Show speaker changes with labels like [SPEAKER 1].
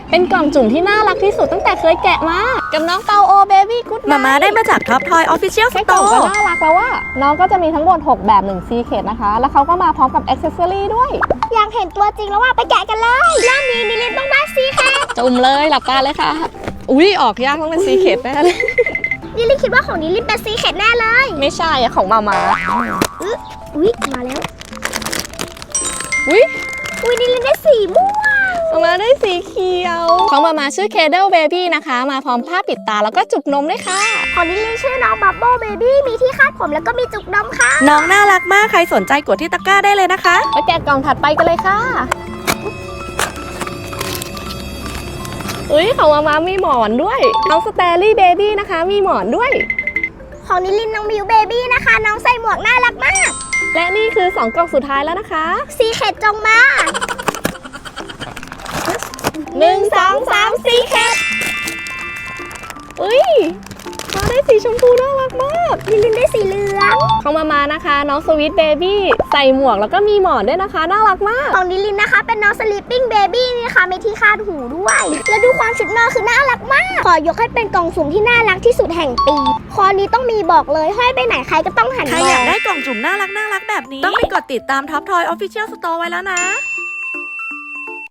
[SPEAKER 1] เป็นกล่องจุ่มที่น่ารักที่สุดตั้งแต่เคยแกะมากับน้องเปาโอเบบี้กู๊ดไนท์
[SPEAKER 2] มาได้มาจาก Top Toy Official
[SPEAKER 1] แค่กล่อง
[SPEAKER 2] Store
[SPEAKER 1] ก็น่ารักแล้วว่าน้องก็จะมีทั้งหมด6แบบ1ซีเคทนะคะแล้วเขาก็มาพร้อมกับอ็อกเซสซอรี่ด้วย
[SPEAKER 3] อยากเห็นตัวจริงแล้วว่าไปแกะกันเลยรอบนี้นิลินต้องได้ซีแคท
[SPEAKER 1] จุ่มเลยหลับตาเลยค่ะอุ้ยออกยากต้องเป็นซีเคทแน่เลย
[SPEAKER 3] นิลินคิดว่าของนิลินเป็นซีแคทแน่เลย
[SPEAKER 1] ไม่ใช่อะของมา
[SPEAKER 3] อุ๊ยมาแล้ว
[SPEAKER 1] อุ้ย
[SPEAKER 3] อุ๊ยนิลินได้สีม่วง
[SPEAKER 1] มาได้สีเขียวของมาชื่อ Cradle Baby นะคะมาพร้อมผ้าปิดตาแล้วก็จุกนมด้วยค่ะ
[SPEAKER 3] ของนิลินชื่อน้องบับเบิ้ลเบบี้มีที่คาดผมแล้วก็มีจุกนมค่ะ
[SPEAKER 2] น้องน่ารักมากใครสนใจกดที่ตะกร้าได้เลยนะคะ
[SPEAKER 1] ไปแกะกล่องถัดไปกันเลยค่ะอุ้ยของมามีหมอนด้วยน้องสเตอรี่เบบี้นะคะมีหมอนด้วย
[SPEAKER 3] ของนิลินน้องมิวเบบี้นะคะน้องใส่หมวกน่ารักมาก
[SPEAKER 1] และนี่คือ2กล่องสุดท้ายแล้วนะคะ
[SPEAKER 3] ซีแคทจงมา
[SPEAKER 1] 1 2 3ซีแคทอุ้ยมาได้สีชมพูน่ารักมาก
[SPEAKER 3] นิลินได้สีเหลือง
[SPEAKER 1] ของมานะคะน้องสวีทเบบี้ใส่หมวกแล้วก็มีหมอนด้วยนะคะน่ารักมาก
[SPEAKER 3] ของนิลินนะคะเป็นน้องสลีปปิ้งเบบี้นี่นะคะมีที่คาดหูด้วย แล้วดูความชุดนอนคือน่ารักมาก ขอยกให้เป็นกล่องสุ่มที่น่ารักที่สุดแห่งปี คอนี้ต้องมีบอกเลยห้อยไปไหนใครก็ต้องหัน
[SPEAKER 2] ใคร
[SPEAKER 3] ม
[SPEAKER 2] อยา
[SPEAKER 3] อก ง
[SPEAKER 2] ได้กล่องจุ่มน่ารักแบบนี้ ต้องไปกดติดตาม Top Toy Official Store ไว้แล้วนะ